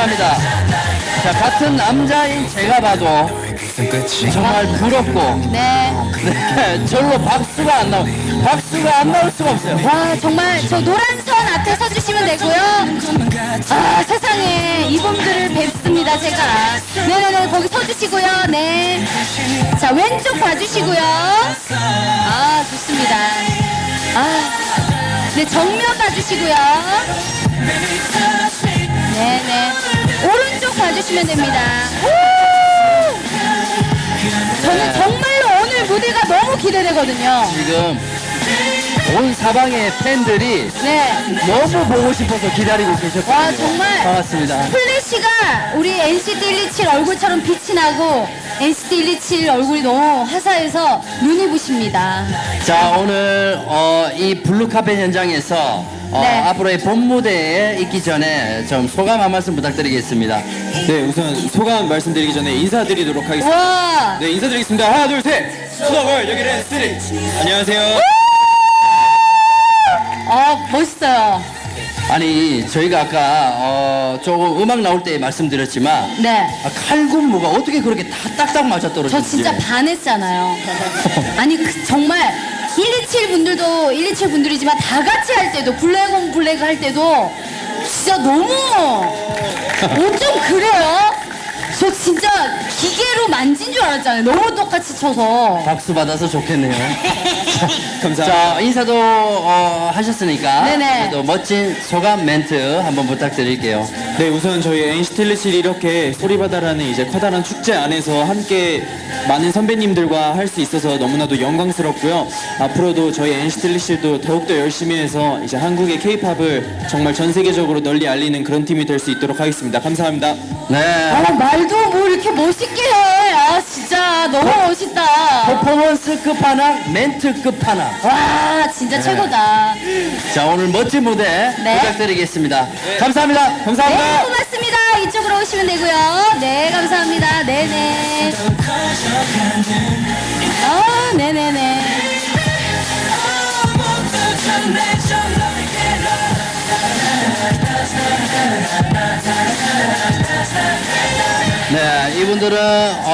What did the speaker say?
감사합니다. 자, 같은 남자인 제가 봐도 정말 부럽고, 네. 네, 절로 박수가 안 나올 수가 없어요. 와, 정말 저 노란 선 앞에 서주시면 되고요. 아, 세상에 이분들을 뵙습니다, 제가. 네네네, 거기 서주시고요. 네. 자, 왼쪽 봐주시고요. 아, 좋습니다. 아, 네, 정면 봐주시고요. 네네. 오른쪽 봐주시면 됩니다. 우! 저는 정말로 오늘 무대가 너무 기대되거든요. 지금 온 사방의 팬들이 네. 너무 보고 싶어서 기다리고 계셨거든요. 와, 정말. 반갑습니다. 플래시가 우리 NCT 127 얼굴처럼 빛이 나고 NCT 127 얼굴이 너무 화사해서 눈이 부십니다. 자, 오늘 이 블루카펫 현장에서 네. 앞으로의 본 무대에 있기 전에 좀 소감 한 말씀 부탁드리겠습니다. 네, 우선 소감 말씀드리기 전에 인사드리도록 하겠습니다. 와. 네, 인사드리겠습니다. 하나, 둘, 셋. 수더걸 여기는 쓰리. 안녕하세요. 멋있어요. 아니, 저희가 아까 조금 음악 나올 때 말씀드렸지만 네. 칼군무가 어떻게 그렇게 다 딱딱 맞아 떨어지지? 저 진짜 반했잖아요. 아니, 정말 127 분들도 127 분들이지만 다 같이 할 때도 블랙 온 블랙 할 때도 진짜 너무 어쩜 그래요? 저 진짜 기계로 만진 줄 알았잖아요. 너무 똑같이 쳐서. 박수 받아서 좋겠네요. 감사합니다. 자, 인사도 하셨으니까 네네. 또 멋진 소감 멘트 한번 부탁드릴게요. 네, 우선 저희 NCT 127이 이렇게 소리바다라는 이제 커다란 축제 안에서 함께 많은 선배님들과 할 수 있어서 너무나도 영광스럽고요. 앞으로도 저희 NCT 127도 더욱더 열심히 해서 이제 한국의 K-팝을 정말 전 세계적으로 널리 알리는 그런 팀이 될 수 있도록 하겠습니다. 감사합니다. 네. 말도 뭐 이렇게 멋있게 해. 아, 진짜 너무 멋있다. 퍼포먼스 끝판왕, 멘트 끝판왕. 와, 진짜 최고다. 자, 오늘 멋진 무대 네. 부탁드리겠습니다. 감사합니다. 네, 감사합니다. 고맙습니다. 이쪽으로 오시면 되고요. 네, 감사합니다. 네네. 네네네. 네, 이분들은